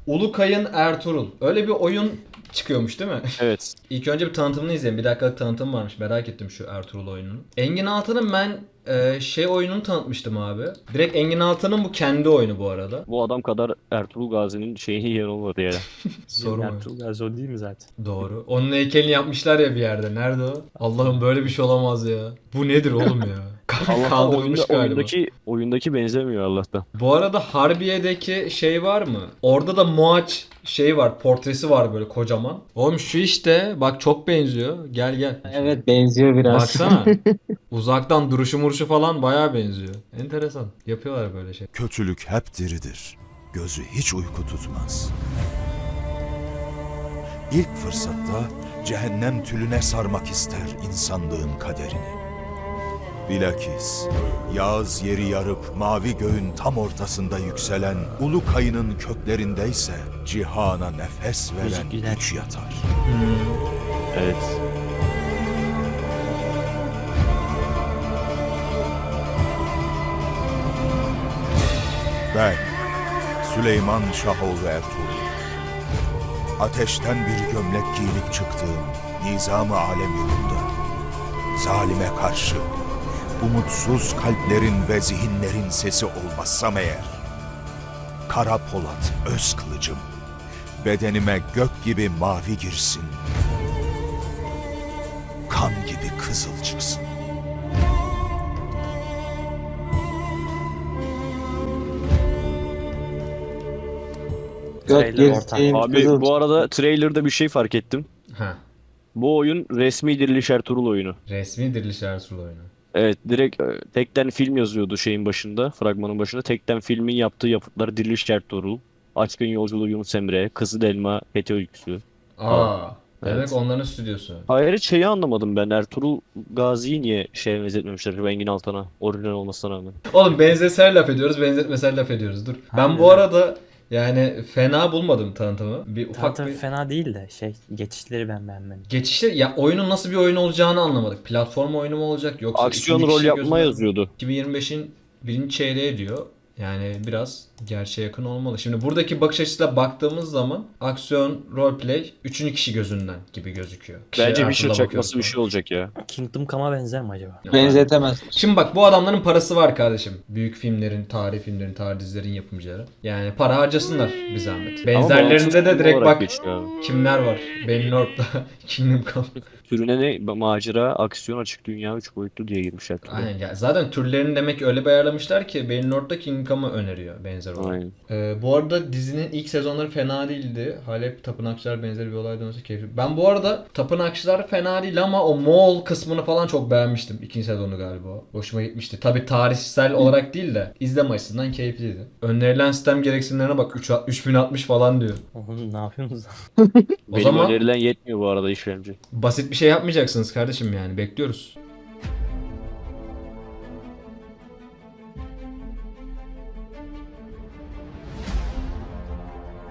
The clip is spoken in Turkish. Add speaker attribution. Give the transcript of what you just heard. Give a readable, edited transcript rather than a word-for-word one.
Speaker 1: Ulukay'ın Ertuğrul. Öyle bir oyun çıkıyormuş değil mi?
Speaker 2: Evet.
Speaker 1: İlk önce bir tanıtımını izleyin. Bir dakikalık tanıtım varmış. Merak ettim şu Ertuğrul oyununu. Engin Altan'ın ben oyununu tanıtmıştım abi. Direkt Engin Altan'ın bu kendi oyunu bu arada.
Speaker 2: Bu adam kadar Ertuğrul Gazi'nin şeyini yiyen olmadı yani.
Speaker 1: Sorma.
Speaker 3: Ertuğrul Gazi o değil mi zaten?
Speaker 1: Doğru. Onun heykelini yapmışlar ya bir yerde. Nerede o? Allah'ım böyle bir şey olamaz ya. Bu nedir oğlum ya?
Speaker 2: Allah'tan
Speaker 1: Kaldırılmış galiba.
Speaker 2: oyundaki benzemiyor Allah'tan.
Speaker 1: Bu arada Harbiye'deki şey var mı? Orada da Moaç var, portresi var böyle kocaman. Oğlum şu işte bak çok benziyor. Gel gel.
Speaker 4: Evet, benziyor biraz.
Speaker 1: Baksana. Uzaktan duruşu muruşu falan bayağı benziyor. Enteresan. Yapıyorlar böyle şey.
Speaker 5: Kötülük hep diridir. Gözü hiç uyku tutmaz. İlk fırsatta cehennem tülüne sarmak ister insanlığın kaderini. Bilakis Yağız yeri yarıp mavi göğün tam ortasında yükselen ulu kayının köklerindeyse cihana nefes veren
Speaker 3: Müzik
Speaker 5: güç yatar.
Speaker 2: Evet.
Speaker 5: Ben Süleyman Şahoğlu Ertuğrul. Ateşten bir gömlek giyinip çıktığım nizam-ı alem yolunda. Zalime karşı umutsuz kalplerin ve zihinlerin sesi olmazsam eğer. Kara Polat öz kılıcım, bedenime gök gibi mavi girsin. Kan gibi kızıl çıksın.
Speaker 4: Gök
Speaker 3: Trailer ortam.
Speaker 4: girsin,
Speaker 2: Abi
Speaker 4: kızıl
Speaker 2: bu arada trailer'da bir şey fark ettim.
Speaker 1: Ha.
Speaker 2: Bu oyun resmi Diriliş Ertuğrul oyunu.
Speaker 1: Resmi Diriliş Ertuğrul oyunu.
Speaker 2: Evet, direkt tekten film yazıyordu şeyin başında, fragmanın başında. Tekten filmin yaptığı yapıtlar Diriliş Ertuğrul, Açkın Yolculuğu Yunus Emre, Kızıl Elma, Fethi Öyküsü.
Speaker 1: Aa. Demek
Speaker 2: Evet.
Speaker 1: onların stüdyosu.
Speaker 2: Hayır, hiç şeyi anlamadım ben. Ertuğrul Gazi'yi niye şeye benzetmemişler Engin Altan'a, orijinal olmasına rağmen.
Speaker 1: Oğlum benzeser laf ediyoruz, benzetmeser laf ediyoruz. Dur. Ben bu arada yani fena bulmadım tanıtımı. Bir ufak
Speaker 3: Tanıtım
Speaker 1: bir
Speaker 3: fena değil de geçişleri ben beğenmedim.
Speaker 1: geçişte ya oyunun nasıl bir oyun olacağını anlamadık. Platform oyunu mu olacak yoksa
Speaker 2: Aksiyon
Speaker 1: ikinci
Speaker 2: rol
Speaker 1: kişi
Speaker 2: yapma
Speaker 1: gözünden mi?
Speaker 2: yazıyordu.
Speaker 1: 2025'in birinci çeyreği diyor. Yani biraz gerçeğe yakın olmalı. Şimdi buradaki bakış açısıyla baktığımız zaman aksiyon, roleplay üçüncü kişi gözünden gibi gözüküyor.
Speaker 2: Bence
Speaker 1: Ertuğrul'a
Speaker 2: Witcher
Speaker 1: bakıyoruz
Speaker 2: çakması bir
Speaker 1: falan.
Speaker 2: şey olacak ya.
Speaker 3: Kingdom Come'a benzer mi acaba?
Speaker 4: benzetemez.
Speaker 1: Şimdi bak bu adamların parası var kardeşim. Büyük filmlerin, tarih dizilerin yapımcıları. Yani para harcasınlar bir zahmet. Benzerlerinde de direkt bak kimler var. Ben North'ta Kingdom Come.
Speaker 2: Türüne ne? Macera, aksiyon, açık dünya, 3 boyutlu diye girmişler.
Speaker 1: Aynen ya zaten türlerini demek ki öyle bir ayarlamışlar ki Ben North'ta Kingdom Come'ı öneriyor benzer olarak.
Speaker 2: Aynen.
Speaker 1: Bu arada dizinin ilk sezonları fena değildi. Halep Tapınakçılar benzeri bir olay dönüşü keyifli. Ben bu arada Tapınakçılar fena değil ama o Moğol kısmını falan çok beğenmiştim. İkinci sezonu galiba. Hoşuma gitmişti. Tabi tarihsel olarak değil de izleme açısından keyifliydi. Önerilen sistem gereksinimlerine bak 3060 falan diyor.
Speaker 3: Oğlum ne yapıyorsunuz lan?
Speaker 1: O
Speaker 2: Benim
Speaker 1: zaman
Speaker 2: önerilen yetmiyor bu arada işlemci.
Speaker 1: basit bir şey yapmayacaksınız kardeşim yani bekliyoruz.